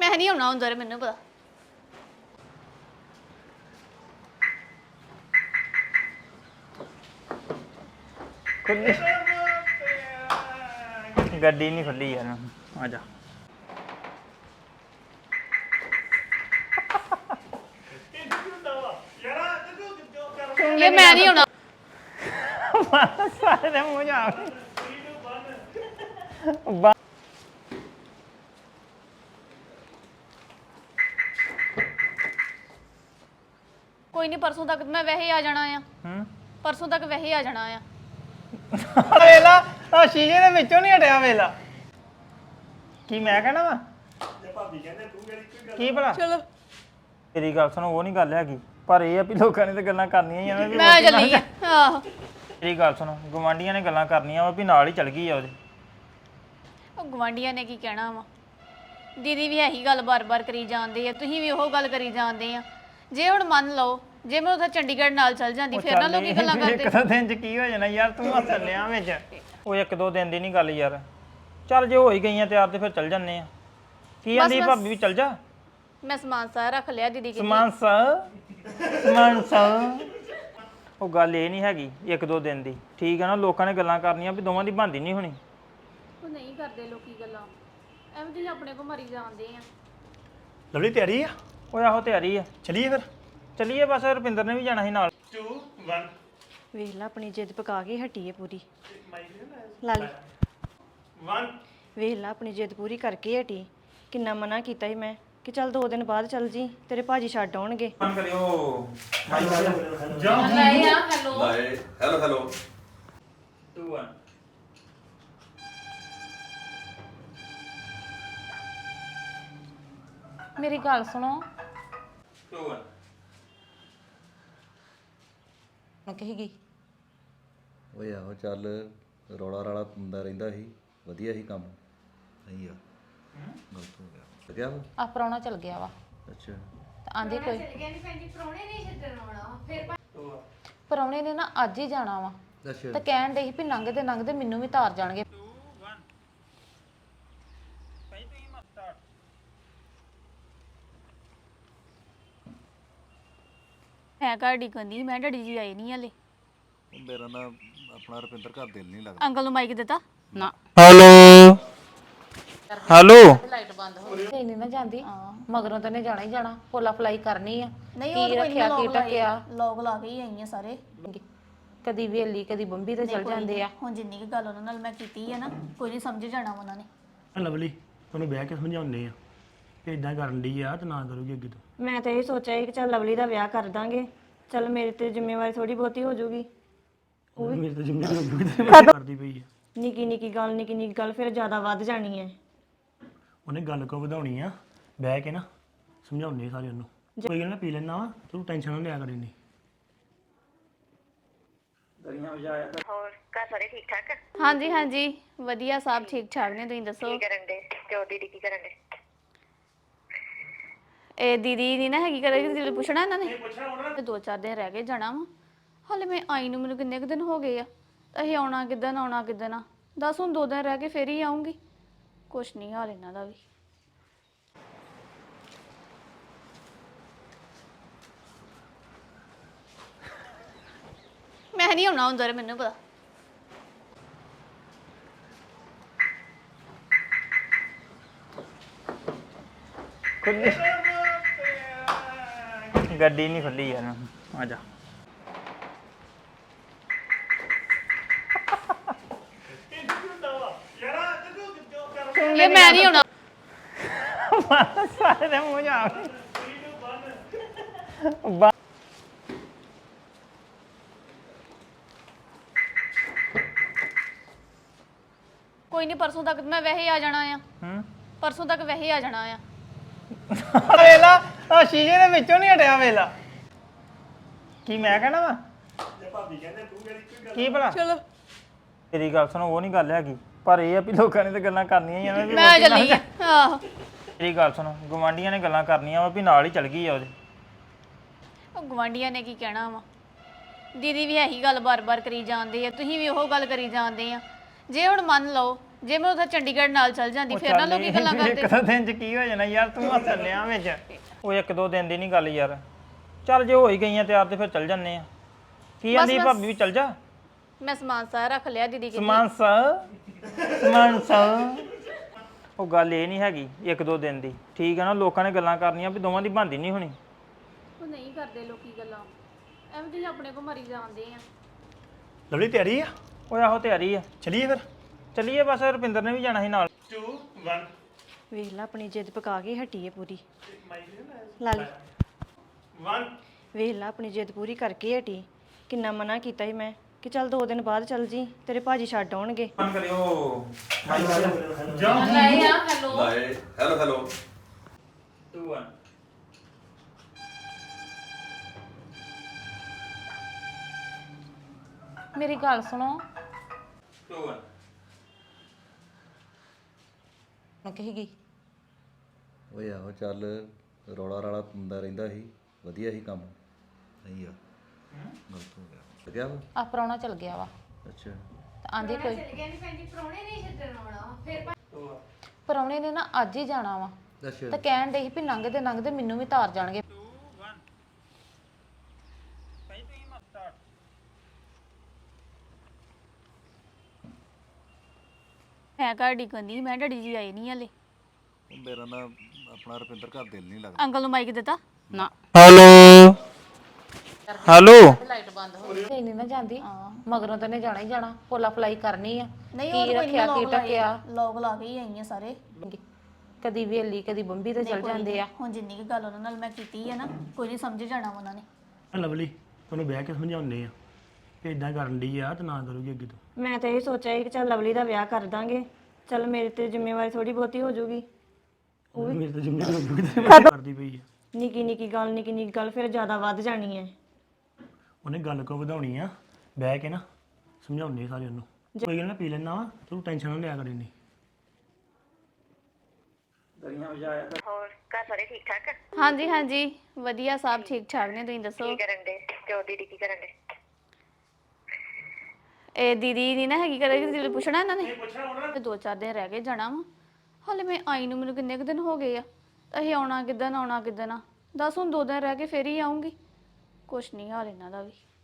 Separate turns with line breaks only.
ਮੈਂ ਨਹੀਂ ਆਉਣਾ ਹੁੰਦਾ ਮੈਨੂੰ ਪਤਾ
खुली गड्डी नहीं खुली यार आ जा
ये मैं नहीं आउਣਾ
सारे दे मुंह जा
ਕੋਈ ਨਹੀਂ ਪਰਸੋਂ ਤੱਕ ਮੈਂ ਵੈਸੇ ਆ ਜਾਣਾ ਆ ਪਰਸੋਂ ਤੱਕ ਵੈਸੇ ਆ ਜਾਣਾ ਆ
ਵੇਲਾ ਆ ਸ਼ੀਸ਼ੇ ਦੇ ਵਿੱਚੋਂ ਨਹੀਂ ਹਟਿਆ ਵੇਲਾ ਕੀ ਮੈਂ ਕਹਿਣਾ ਵਾ ਜੇ ਭਾਬੀ ਕਹਿੰਦੇ ਤੂੰ ਕਿਹੜੀ ਕੀ ਭਲਾ
ਚਲੋ
ਤੇਰੀ ਗੱਲ ਸੁਣ ਉਹ ਨਹੀਂ ਗੱਲ ਹੈਗੀ ਪਰ ਇਹ ਆ ਵੀ ਲੋਕਾਂ ਨੇ ਤਾਂ ਗੱਲਾਂ ਕਰਨੀਆਂ ਹੀ ਆ ਵੀ
ਮੈਂ ਚੱਲੀ ਆ ਆਹੋ
ਤੇਰੀ ਗੱਲ ਸੁਣ ਗਵਾਂਡੀਆਂ ਨੇ ਗੱਲਾਂ ਕਰਨੀਆਂ ਵਾ ਵੀ ਨਾਲ ਹੀ ਚਲ ਗਈ ਆ ਉਹਦੇ
ਉਹ ਗਵਾਂਡੀਆਂ ਨੇ ਕੀ ਕਹਿਣਾ ਵਾ ਦੀਦੀ ਵੀ ਇਹੀ ਗੱਲ ਬਾਰ-ਬਾਰ ਕਰੀ ਜਾਂਦੇ ਆ ਤੁਸੀਂ ਵੀ ਉਹ ਗੱਲ ਕਰੀ ਜਾਂਦੇ ਆ ਜੇ ਹੁਣ ਮੰਨ ਲਓ ਜੇ ਮੈਂ ਉੱਥੇ ਚੰਡੀਗੜ੍ਹ ਨਾਲ ਚੱਲ ਜਾਂਦੀ ਫਿਰ ਨਾ ਲੋਕੀ ਗੱਲਾਂ ਕਰਦੇ
ਇੱਕ ਦੋ ਦਿਨ ਚ ਕੀ ਹੋ ਜਾਣਾ ਯਾਰ ਤੂੰ ਹੱਸਣ ਲਿਆ ਵਿੱਚ ਉਹ ਇੱਕ ਦੋ ਦਿਨ ਦੀ ਨਹੀਂ ਗੱਲ ਯਾਰ ਚੱਲ ਜੇ ਹੋ ਹੀ ਗਈਆਂ ਤਿਆਰ ਤੇ ਫਿਰ ਚੱਲ ਜੰਨੇ ਆ ਕੀ ਆਂਦੀ ਭਾਬੀ ਵੀ ਚੱਲ ਜਾ
ਮੈਂ ਸਮਾਨ ਸਾਰਾ ਰੱਖ ਲਿਆ ਦੀਦੀ ਕੇ
ਸਮਾਨ ਉਹ ਗੱਲ ਇਹ ਨਹੀਂ ਹੈਗੀ ਇੱਕ ਦੋ ਦਿਨ ਦੀ ਠੀਕ ਹੈ ਨਾ ਲੋਕਾਂ ਨੇ ਗੱਲਾਂ ਕਰਨੀਆਂ ਵੀ ਦੋਵਾਂ ਦੀ ਬਣਦੀ ਨਹੀਂ ਹੋਣੀ
ਉਹ ਨਹੀਂ ਕਰਦੇ ਲੋਕੀ ਗੱਲਾਂ ਐਵੇਂ ਤੁਸੀਂ ਆਪਣੇ ਕੋ ਮਰੀ ਜਾਂਦੇ ਆ
ਲਵਲੀ ਤਿਆਰੀ ਆ
ਉਹ ਆਹੋ ਤਿਆਰੀ ਆ
ਚਲੀਏ ਫਿਰ
ਚੱਲੀਏ ਬਸ ਰੁਪਿੰਦਰ ਨੇ ਵੀ ਜਾਣਾ ਸੀ ਨਾਲ
2 1
ਵੇਖ ਲਾ ਆਪਣੀ ਜਿੱਦ ਪਕਾ ਕੇ ਹਟੀ ਹੈ ਪੂਰੀ ਲਾ ਲਈ
1
ਵੇਖ ਲਾ ਆਪਣੀ ਜਿੱਦ ਪੂਰੀ ਕਰਕੇ ਹਟੀ ਕਿੰਨਾ ਮਨਾ ਕੀਤਾ ਸੀ ਮੈਂ ਕਿ ਚੱਲ 2 ਦਿਨ ਬਾਅਦ ਚੱਲ ਜੀ ਤੇਰੇ ਭਾਜੀ ਛੱਡ ਆਉਣਗੇ
ਫੋਨ ਕਰਿਓ
ਲਾਏ ਆ ਹੈਲੋ
ਹੈਲੋ ਹੈਲੋ
2 1
ਮੇਰੀ ਗੱਲ ਸੁਣੋ
2 1
ਮੈਂ ਕਹੀ ਗਈ
ਓਏ ਆਹੋ ਚੱਲ ਰੌਲਾ ਰਾਲਾ ਹੁੰਦਾ ਰਹਿੰਦਾ ਸੀ ਵਧੀਆ ਸੀ ਕੰਮ ਨਹੀਂ ਆ ਗਲਤ ਹੋ ਗਿਆ ਲੱਗਿਆ ਵਾ
ਆ ਪ੍ਰਾਹੁਣਾ ਚਲ ਗਿਆ ਵਾ
ਅੱਛਾ
ਤੇ ਆਂਦੇ ਕੋਈ ਪ੍ਰਾਹੁਣੇ ਨੇ ਨਾ ਅੱਜ ਹੀ ਜਾਣਾ ਵਾ
ਅੱਛਾ
ਤੇ ਕਹਿਣ ਦੇ ਸੀ ਵੀ ਲੰਘਦੇ ਲੰਘਦੇ ਮੈਨੂੰ ਵੀ ਤਾਰ ਜਾਣਗੇ
ਹੈ ਘਰ ਡਿੱਗਣੀ ਮੈਂ ਡੈਡੀ ਜੀ ਆਏ ਨਹੀਂ ਹਲੇ
ਉਹ ਮੇਰਾ ਨਾ ਆਪਣਾ ਰੁਪਿੰਦਰ ਘਰ ਦਿਲ ਨਹੀਂ ਲੱਗਦਾ
ਅੰਕਲ ਨੂੰ ਮਾਈਕ ਦਿੱਤਾ
ਨਾ
ਹੈਲੋ ਹੈਲੋ
ਲਾਈਟ ਬੰਦ ਹੋ ਗਈ ਨਹੀਂ ਨਾ ਜਾਂਦੀ ਮਗਰੋਂ ਤਾਂ ਨੇ ਜਾਣਾ ਹੀ ਜਾਣਾ ਫੋਲਾ ਫਲਾਈ ਕਰਨੀ ਆ
ਨਹੀਂ
ਕੀ ਰੱਖਿਆ ਕੀ ਟਕਿਆ
ਲੋਕ ਲਾ ਕੇ ਹੀ ਆਈਆਂ ਸਾਰੇ
ਕਦੀ ਵੇਲੀ ਕਦੀ ਬੰਬੀ ਤੇ ਚਲ ਜਾਂਦੇ ਆ
ਹੁਣ ਜਿੰਨੀ ਕੁ ਗੱਲ ਉਹਨਾਂ ਨਾਲ ਮੈਂ ਕੀਤੀ ਹੈ ਨਾ ਕੋਈ ਨਹੀਂ ਸਮਝ ਜਾਣਾ ਉਹਨਾਂ ਨੇ
ਲਵਲੀ ਤੁਹਾਨੂੰ ਬਹਿ ਕੇ ਸਮਝਾਉਂਦੇ ਆ ਕਿ ਇਦਾਂ ਕਰਨ ਦੀ ਆ ਤੇ ਨਾ ਕਰੂਗੀ ਅੱਗੇ ਤੋਂ
ਮੈਂ ਤਾਂ ਇਹ ਸੋਚਿਆ ਸੀ ਕਿ ਚੱਲ ਲਵਲੀ ਦਾ ਵਿਆਹ ਕਰ ਦਾਂਗੇ ਚੱਲ ਮੇਰੇ ਤੇ ਜ਼ਿੰਮੇਵਾਰੀ ਥੋੜੀ ਬਹੁਤੀ ਹੋ ਜਾਊਗੀ
ਉਹ ਮੇਰੇ ਤੇ ਜ਼ਿੰਮੇਵਾਰੀ ਕਰਦੀ ਪਈ ਆ
ਨਿੱਕੀ ਨਿੱਕੀ ਗੱਲ ਫਿਰ ਜ਼ਿਆਦਾ ਵੱਧ ਜਾਣੀ ਹੈ
ਉਹਨੇ ਗੱਲ ਕੋ ਵਧਾਉਣੀ ਆ ਬਹਿ ਕੇ ਨਾ ਸਮਝਾਉਂਦੇ ਸਾਰੇ ਉਹਨੂੰ ਕੋਈ ਗੱਲ ਨਾ ਪੀ ਲੈਣਾ ਵਾ ਤੂੰ ਟੈਨਸ਼ਨ ਨਾ ਲਿਆ ਕਰੀ ਨਹੀਂ
ਹਾਂਜੀ ਹਾਂਜੀ ਵਧੀਆ ਸਭ ਠੀਕ ਠਾਕ ਨੇ ਤੁਸੀਂ ਦੱਸੋ
ਕੀ ਕਰਨ ਦੇ ਤੇ ਉਹ ਦੀਦੀ ਕੀ ਕਰਨ ਦੇ
ਇਹ ਦੀਦੀ ਨਹੀਂ ਨਾ ਹੈਗੀ ਕਰੇ ਦੀਦੀ ਪੁੱਛਣਾ ਇਹਨਾਂ ਨੇ ਤੇ 2-4 ਦਿਨ ਰਹਿ ਗਏ ਜਾਣਾ ਵਾ ਹਾਲੇ ਮੈਂ ਆਈ ਨੂੰ ਮੈਨੂੰ ਕਿੰਨੇ ਕੁ ਦਿਨ ਹੋ ਗਏ ਆ ਅਸੀਂ ਆਉਣਾ ਕਿੱਦਣ ਆ ਦੱਸ ਹੁਣ 2 ਦਿਨ ਰਹਿ ਕੇ ਫੇਰ ਹੀ ਆਉਂਗੀ ਕੁਛ ਨਹੀਂ ਹਾਲ ਇਹਨਾਂ ਦਾ ਵੀ ਮੈਂ ਨਹੀਂ ਆਉਣਾ ਹੁੰਦਾ ਮੈਨੂੰ ਪਤਾ
खुली गड्डी नहीं खुली यार आ जा
ये मैं नहीं आउਣਾ
सारे दे मुंह जा
ਕੋਈ ਨਹੀਂ ਪਰਸੋਂ ਤੱਕ ਮੈਂ ਵੈਸੇ ਆ ਜਾਣਾ ਆ ਪਰਸੋਂ ਤੱਕ ਵੈਸੇ ਆ ਜਾਣਾ ਆ
ਵੇਲਾ ਆ ਸ਼ੀਸ਼ੇ ਦੇ ਵਿੱਚੋਂ ਨਹੀਂ ਹਟਿਆ ਵੇਲਾ ਕੀ ਮੈਂ ਕਹਿਣਾ ਵਾ ਜੇ ਭਾਬੀ ਕਹਿੰਦੇ ਤੂੰ ਕਿਹੜੀ ਕੀ ਭਲਾ
ਚਲੋ
ਤੇਰੀ ਗੱਲ ਸੁਣ ਉਹ ਨਹੀਂ ਗੱਲ ਹੈਗੀ ਪਰ ਇਹ ਆ ਵੀ ਲੋਕਾਂ ਨੇ ਤਾਂ ਗੱਲਾਂ ਕਰਨੀਆਂ ਹੀ ਆ ਵੀ
ਮੈਂ ਚੱਲੀ ਆ ਆਹੋ
ਤੇਰੀ ਗੱਲ ਸੁਣ ਗਵਾਂਡੀਆਂ ਨੇ ਗੱਲਾਂ ਕਰਨੀਆਂ ਵਾ ਵੀ ਨਾਲ ਹੀ ਚਲ ਗਈ ਆ ਉਹਦੇ
ਉਹ ਗਵਾਂਡੀਆਂ ਨੇ ਕੀ ਕਹਿਣਾ ਵਾ ਦੀਦੀ ਵੀ ਇਹੀ ਗੱਲ ਬਾਰ-ਬਾਰ ਕਰੀ ਜਾਂਦੇ ਆ ਤੁਸੀਂ ਵੀ ਉਹ ਗੱਲ ਕਰੀ ਜਾਂਦੇ ਆ ਜੇ ਹੁਣ ਮੰਨ ਲਓ ਜੇ ਮੈਂ ਉਧਰ ਚੰਡੀਗੜ੍ਹ ਨਾਲ ਚੱਲ ਜਾਂਦੀ ਫਿਰ ਨਾ ਲੋਕੀ ਗੱਲਾਂ ਕਰਦੇ
ਇੱਕ ਦੋ ਦਿਨ ਚ ਕੀ ਹੋ ਜਾਣਾ ਯਾਰ ਤੂੰ ਹੱਸਣ ਲਿਆ ਵਿੱਚ ਉਹ ਇੱਕ ਦੋ ਦਿਨ ਦੀ ਨਹੀਂ ਗੱਲ ਯਾਰ ਚੱਲ ਜੇ ਹੋ ਹੀ ਗਈਆਂ ਤਿਆਰ ਤੇ ਫਿਰ ਚੱਲ ਜੰਨੇ ਆ ਕੀ ਆਂਦੀ ਭਾਬੀ ਵੀ ਚੱਲ ਜਾ
ਮੈਂ ਸਮਾਨ ਸਾਰਾ ਰੱਖ ਲਿਆ ਦੀਦੀ ਕੇ
ਸਮਾਨ ਸਾ ਉਹ ਗੱਲ ਇਹ ਨਹੀਂ ਹੈਗੀ ਇੱਕ ਦੋ ਦਿਨ ਦੀ ਠੀਕ ਹੈ ਨਾ ਲੋਕਾਂ ਨੇ ਗੱਲਾਂ ਕਰਨੀਆਂ ਵੀ ਦੋਵਾਂ ਦੀ ਬਣਦੀ ਨਹੀਂ ਹੋਣੀ
ਉਹ ਨਹੀਂ ਕਰਦੇ ਲੋਕੀ ਗੱਲਾਂ ਐਵੇਂ ਤੁਸੀਂ ਆਪਣੇ ਕੋ ਮਰੀ ਜਾਂਦੇ ਆ
ਲਵਲੀ ਤਿਆਰੀ ਆ
ਉਹ ਆਹੋ ਤਿਆਰੀ ਆ
ਚਲੀਏ ਫਿਰ
ਚੱਲੀਏ ਬਸ ਰੁਪਿੰਦਰ ਨੇ ਵੀ ਜਾਣਾ ਸੀ ਨਾਲ
2 1
ਵੇਖ ਲੈ ਆਪਣੀ ਜਿੱਦ ਪਕਾ ਕੇ ਹਟੀ ਹੈ ਪੂਰੀ ਲਾਲ
1
ਵੇਖ ਲੈ ਆਪਣੀ ਜਿੱਦ ਪੂਰੀ ਕਰਕੇ ਹਟੀ ਕਿੰਨਾ ਮਨਾ ਕੀਤਾ ਸੀ ਮੈਂ ਕਿ ਚੱਲ 2 ਦਿਨ ਬਾਅਦ ਚੱਲ ਜੀ ਤੇਰੇ ਭਾਜੀ ਛੱਡ ਆਉਣਗੇ
ਫੋਨ ਕਰਿਓ
ਲਾਏ ਆ ਹੈਲੋ
ਲਾਏ ਹੈਲੋ ਹੈਲੋ
2 1
ਮੇਰੀ ਗੱਲ ਸੁਣੋ
2 1
ਮੈਂ ਕਹੀਗੀ
ਓਏ ਆਹੋ ਚੱਲ ਰੌਲਾ ਰਾਲਾ ਹੁੰਦਾ ਰਹਿੰਦਾ ਸੀ ਵਧੀਆ ਸੀ ਕੰਮ ਸਹੀ ਆ ਗਲਤ ਹੋ ਗਿਆ ਲੱਗਿਆ ਵਾ
ਆ ਪ੍ਰਾਹੁਣਾ ਚਲ ਗਿਆ ਵਾ
ਅੱਛਾ
ਤਾਂ ਆਂਦੀ ਕੋਈ ਪ੍ਰਾਹੁਣੇ ਨੇ ਨਾ ਅੱਜ ਹੀ ਜਾਣਾ ਵਾ
ਅੱਛਾ
ਤਾਂ ਕਹਿਣ ਦੇ ਸੀ ਵੀ ਲੰਘਦੇ ਲੰਘਦੇ ਮੈਨੂੰ ਵੀ ਤਾਰ ਜਾਣਗੇ
ਮੈਂ ਘਰ ਡਿੱਗਣੀ ਮੈਂ ਡੈਡੀ ਜੀ ਆਏ ਨਹੀਂ ਹਲੇ
ਉਹ ਮੇਰਾ ਨਾ ਆਪਣਾ ਰੁਪਿੰਦਰ ਘਰ ਦਿਲ ਨਹੀਂ ਲੱਗਦਾ
ਅੰਕਲ ਨੂੰ ਮਾਈਕ ਦਿੱਤਾ
ਨਾ
ਹੈਲੋ ਹੈਲੋ
ਲਾਈਟ ਬੰਦ ਹੋ ਗਈ ਨਹੀਂ ਨਾ ਜਾਂਦੀ ਮਗਰੋਂ ਤਾਂ ਨੇ ਜਾਣਾ ਹੀ ਜਾਣਾ ਪੋਲਾ ਫਲਾਈ ਕਰਨੀ ਆ
ਨਹੀਂ
ਕੀ ਰੱਖਿਆ ਕੀ ਟਕਿਆ
ਲੋਕ ਲਾ ਕੇ ਹੀ ਆਈ ਆ ਸਾਰੇ
ਕਦੀ ਵੇਲੀ ਕਦੀ ਬੰਬੀ ਤੇ ਚਲ ਜਾਂਦੇ ਆ
ਹੁਣ ਜਿੰਨੀ ਕੁ ਗੱਲ ਉਹਨਾਂ ਨਾਲ ਮੈਂ ਕੀਤੀ ਹੈ ਨਾ ਕੋਈ ਨਹੀਂ ਸਮਝ ਜਾਣਾ ਉਹਨਾਂ ਨੇ
ਲਵਲੀ ਉਹਨੂੰ ਬਹਿ ਕੇ ਸਮਝਾਉਂਦੇ ਆ ਕਿ ਇਦਾਂ ਕਰਨ ਦੀ ਆ ਤੇ ਨਾ ਕਰੂਗੀ ਅੱਗੇ ਤੋਂ
ਮੈਂ ਤਾਂ ਇਹ ਸੋਚਿਆ ਸੀ ਕਿ ਚੱਲ ਲਵਲੀ ਦਾ ਵਿਆਹ ਕਰ ਦਾਂਗੇ ਚੱਲ ਮੇਰੇ ਤੇ ਜ਼ਿੰਮੇਵਾਰੀ ਥੋੜੀ ਬਹੁਤੀ ਹੋ ਜਾਊਗੀ
ਉਹ ਮੇਰੇ ਤੇ ਜ਼ਿੰਮੇਵਾਰੀ ਕਰਦੀ ਪਈ ਆ
ਨਿੱਕੀ ਨਿੱਕੀ ਗੱਲ ਫਿਰ ਜ਼ਿਆਦਾ ਵੱਧ ਜਾਣੀ ਹੈ
ਉਹਨੇ ਗੱਲ ਕੋ ਵਧਾਉਣੀ ਆ ਬਹਿ ਕੇ ਨਾ ਸਮਝਾਉਂਦੇ ਸਾਰੇ ਉਹਨੂੰ ਕੋਈ ਗੱਲ ਨਾ ਪੀ ਲੈਣਾ ਵਾ ਤੂੰ ਟੈਨਸ਼ਨ ਨਾ ਲਿਆ ਕਰੀ ਨਹੀਂ
ਹੋਰ ਘਰ ਸਾਰੇ ਠੀਕ ਠਾਕ
ਹਾਂਜੀ ਹਾਂਜੀ ਵਧੀਆ ਸਭ ਠੀਕ ਠਾਕ ਨੇ ਤੁਸੀਂ ਦੱਸੋ
ਕੀ ਕਰਨ ਦੇ ਤੇ ਉਹ ਦੀਦੀ ਕੀ ਕਰਨ ਦੇ
ਇਹ ਦੀਦੀ ਨਹੀਂ ਨਾ ਹੈਗੀ ਕਦੇ ਦੀਦੀ ਨੂੰ ਪੁੱਛਣਾ ਇਹਨਾਂ ਨੇ 2-4 ਦਿਨ ਰਹਿ ਗਏ ਜਾਣਾ ਵਾ ਹਾਲੇ ਮੈਂ ਆਈ ਨੂੰ ਮੈਨੂੰ ਕਿੰਨੇ ਕੁ ਦਿਨ ਹੋ ਗਏ ਆ ਤਾਂ ਇਹ ਆਉਣਾ ਕਿੱਦਣ ਆ ਦੱਸ ਹੁਣ 2 ਦਿਨ ਰਹਿ ਕੇ ਫੇਰ ਹੀ ਆਉਂਗੀ ਕੁਛ ਨਹੀਂ ਹਾਲ ਇਹਨਾਂ ਦਾ ਵੀ